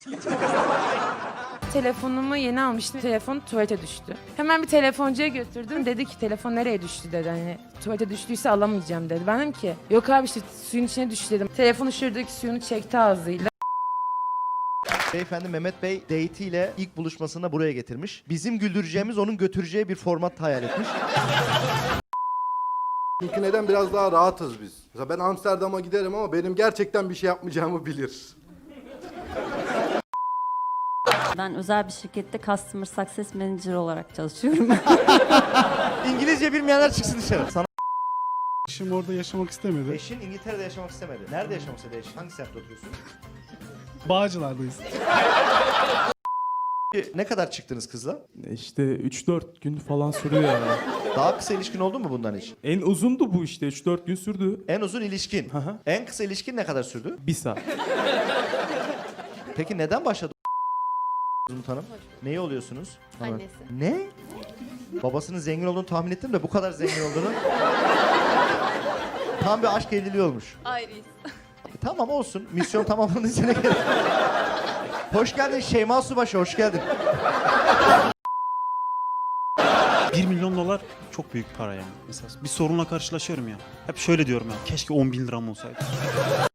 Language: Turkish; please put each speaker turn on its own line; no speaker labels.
Telefonumu yeni almıştım. Telefon tuvalete düştü. Hemen bir telefoncuya götürdüm. Dedi ki telefon nereye düştü dedi. Hani tuvalete düştüyse alamayacağım dedi. Ben dedim ki yok abi işte suyun içine düştü dedim. Telefonu şuradaki suyunu çekti ağzıyla.
Beyefendi Mehmet Bey date'iyle ilk buluşmasını buraya getirmiş. Bizim güldüreceğimiz onun götüreceği bir format hayal etmiş.
Çünkü neden biraz daha rahatız biz. Mesela ben Amsterdam'a giderim ama benim gerçekten bir şey yapmayacağımı bilir.
Ben özel bir şirkette Customer Success Manager olarak çalışıyorum.
İngilizce bilmeyenler çıksın dışarı. Sana
Eşim orada yaşamak istemedi.
eşin İngiltere'de yaşamak istemedi. Nerede yaşamak istedi eşin? Hangi semtte oturuyorsun?
Bağcılar'dayız.
Ne kadar çıktınız kızla?
İşte 3-4 gün falan sürüyor ya.
Daha kısa ilişkin oldu mu bundan hiç?
En uzundu bu işte 3-4 gün sürdü.
En uzun ilişkin.
hı.
En kısa ilişkin ne kadar sürdü?
1 saat.
Peki neden başladı Umut Hanım? Neyi oluyorsunuz?
Annesi.
Ne? Babasının zengin olduğunu tahmin ettim de bu kadar zengin olduğunu. Tam bir aşk evliliği olmuş.
Ayrıyız.
Tamam olsun. Misyon tamamlandı sene geldi. Hoş geldin Şeyma Subaşı, hoş geldin.
1 milyon dolar çok büyük para yani. Mesela bir sorunla karşılaşıyorum ya. Hep şöyle diyorum ya. Keşke 10 bin liram olsaydı.